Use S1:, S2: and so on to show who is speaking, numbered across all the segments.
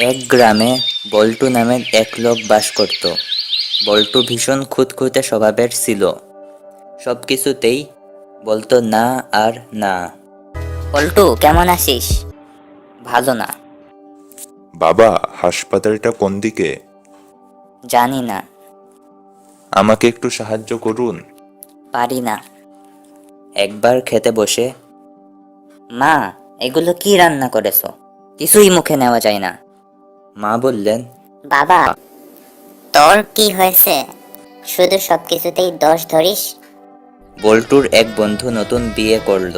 S1: এক গ্রামে বল্টু নামের এক লোক বাস করত। বল্টু ভীষণ খুঁতখুঁতে স্বভাবের ছিল। সবকিছুতেই বলতো না আর না।
S2: পল্টু, কেমন আছিস? ভালো না।
S3: বাবা, হাসপাতালটা কোন দিকে?
S2: জানি না।
S3: আমাকে একটু সাহায্য করুন।
S2: পারি না।
S1: একবার খেতে বসে
S2: মা, এগুলো কি রান্না করেছো? কিছুই মুখে নেওয়া যায় না।
S1: মা বললেন,
S4: বাবা, তোর কি হয়েছে? শুধু সবকিছুতেই দোষ ধরিস।
S1: বল্টুর এক বন্ধু নতুন বিয়ে করলো।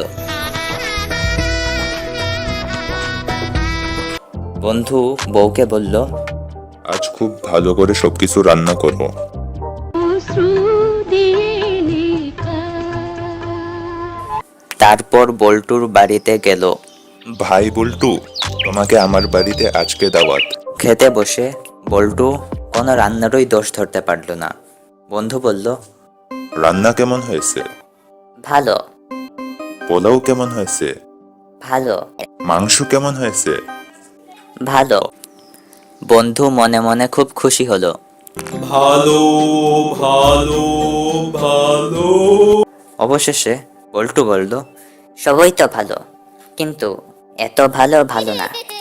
S1: বন্ধু বউকে বলল,
S3: আজ খুব ভালো করে সবকিছু রান্না করব।
S1: তারপর বল্টুর বাড়িতে গেল।
S3: ভাই বল্টু, তোমাকে আমার বাড়িতে আজকে দাওয়াত।
S1: খেতে বসে বল্টু কোনো রান্নারই দোষ ধরতে পারল না। বন্ধু বলল,
S3: রান্না কেমন হয়েছে?
S2: ভালো।
S3: পোলাও কেমন হয়েছে?
S2: ভালো।
S3: মাংস কেমন হয়েছে?
S2: ভালো।
S1: বন্ধু মনে মনে খুব খুশি হলো।
S5: ভালো ভালো ভালো।
S1: অবশেষে বল্টু বলল,
S2: সবই তো ভালো, কিন্তু এত ভালো ভালো না।